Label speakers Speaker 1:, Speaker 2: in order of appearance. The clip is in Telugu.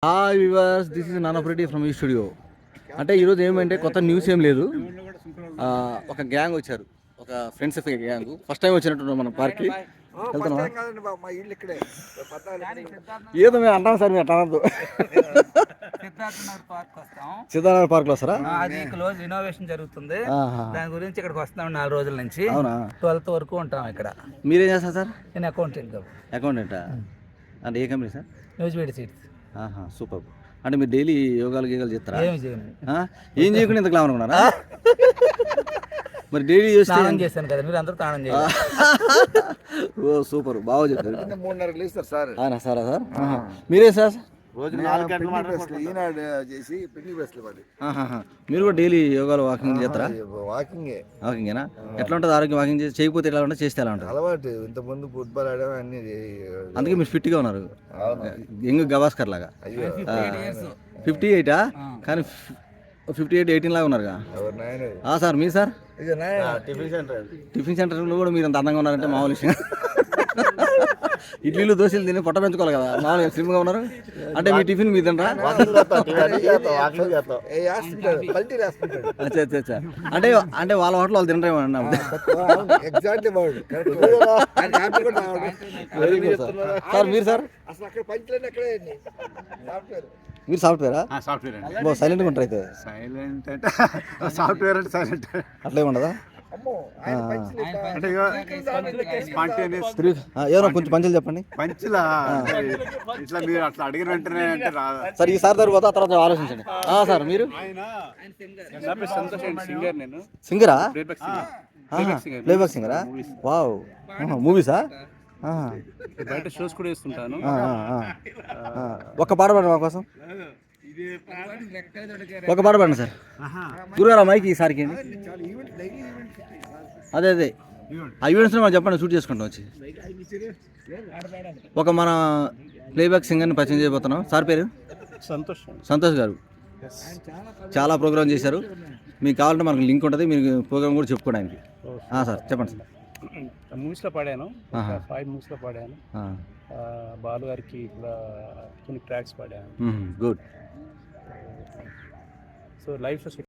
Speaker 1: హాయ్ వివర్స్, దిస్ ఇస్ నానప్రెడ్డి ఫ్రమ్ ఈ స్టూడియో. అంటే ఈరోజు ఏమంటే కొత్త న్యూస్ ఏం లేదు. ఒక గ్యాంగ్ వచ్చారు, ఒక ఫ్రెండ్స్ గ్యాంగ్. ఫస్ట్ టైం వచ్చినట్టు మన పార్క్కి వెళ్తున్నాం. ఏదో మేము అంటాం సార్, మీరు అట్టనద్దు. సిద్ధార్థ పార్క్ లో వస్తారా?
Speaker 2: అది క్లోజ్ రినోవేషన్ జరుగుతుంది, దాని గురించి ఇక్కడికి వస్తాం 4 రోజుల నుంచి. అవునా? 12th వరకు ఉంటాం ఇక్కడ.
Speaker 1: మీరేం చేస్తారు సార్?
Speaker 2: నేను అకౌంటెంట్.
Speaker 1: అకౌంటెంటా? అంటే ఏ company sir?
Speaker 2: Nuziveedu seeds.
Speaker 1: Super. అంటే మీరు డైలీ యోగాలు చేస్తారా? ఏం చేయకుండా ఇంత గ్లామర్ ఉన్నారా? మరి డైలీ
Speaker 2: స్నానం చేస్తాను కదా, మీరు అందరూ స్నానం చేయాలి.
Speaker 1: ఓ సూపర్, బాగా చెప్తారు.
Speaker 3: 3:30 లేస్తారు సార్.
Speaker 1: సారా సార్? మీరే సార్?
Speaker 3: రోజు 4 గంటలు ఈనాడు చేసి పెళ్లి బస్సులు పడి.
Speaker 1: మీరు కూడా డైలీ యోగాలు వాకింగ్ చేస్తారా? వాకింగేనా? ఎట్లా ఉంటుంది ఆరోగ్యం? వాకింగ్ చేయకపోతే ఎలా ఉంటుంది, చేస్తే ఎలా ఉంటుంది?
Speaker 3: అలవాటు. ఇంతకుముందు ఫుట్బాల్ ఆడడం అన్ని.
Speaker 1: అందుకే మీరు ఫిట్గా ఉన్నారు, యంగ్ గవాస్కర్ లాగా. 58 కానీ 58-18 లాగా ఉన్నారుగా సార్. మీ సార్ టిఫిన్ సెంటర్లో కూడా మీరు అంత అందంగా ఉన్నారంటే మామూలు విషయం. ఇడ్లీలు దోశలు తిని పొట్ట పెంచుకోవాలి కదా, మామూలుగా స్లిమ్గా ఉన్నారు. అంటే మీ టిఫిన్ మీ తినరా? అచ్చా. అంటే వాళ్ళ హోటల్ వాళ్ళు తినరేమో అన్న. Very good sir. సార్ మీరు సార్? మీరు సాఫ్ట్వేరా? సాఫ్ట్వేర్. సైలెంట్గా ఉంటారు అయితే.
Speaker 3: సైలెంట్ అంటే సాఫ్ట్వేర్ అంటే సైలెంట్
Speaker 1: అట్లే ఉండదా? ఏమో కొంచెం పంచులు చెప్పండి.
Speaker 3: పంచులా ఇట్లా మీరు అట్లా అడిగిన వెంటనే అంటే రాదా
Speaker 1: సార్? ఈసారి తర్వాత ఆ తర్వాత ఆలోచించండి. సార్ మీరు?
Speaker 3: సింగర్. నేను
Speaker 1: సింగరా? ప్లేబ్యాక్ సింగరా? వావ్. మూవీసా?
Speaker 3: బయట షోస్ కూడా వేస్తుంటాను.
Speaker 1: ఒక్క పాట పాడండి మా కోసం. ఒక పాట పాడండి సార్. గురుగారు మైక్ ఈసారికి. అదే ఆ ఈవెంట్స్లో మనం చెప్పండి, షూట్ చేసుకుంటాం వచ్చి. ఒక మన ప్లేబ్యాక్ సింగర్ని పరిచయం చేయబోతున్నాం. సార్ పేరు? సంతోష్ గారు. చాలా ప్రోగ్రామ్ చేశారు. మీకు కావాలంటే మనకు లింక్ ఉంటుంది, మీరు ప్రోగ్రామ్ కూడా చెప్పుకోవడానికి. సార్ చెప్పండి సార్.
Speaker 4: మూవీస్లో పాడాను, 5 మూవీస్లో పాడాను. బాలు గారికి కూడా కొన్ని ట్రాక్స్ పాడాను.
Speaker 1: గుడ్.
Speaker 4: సో లైఫ్లో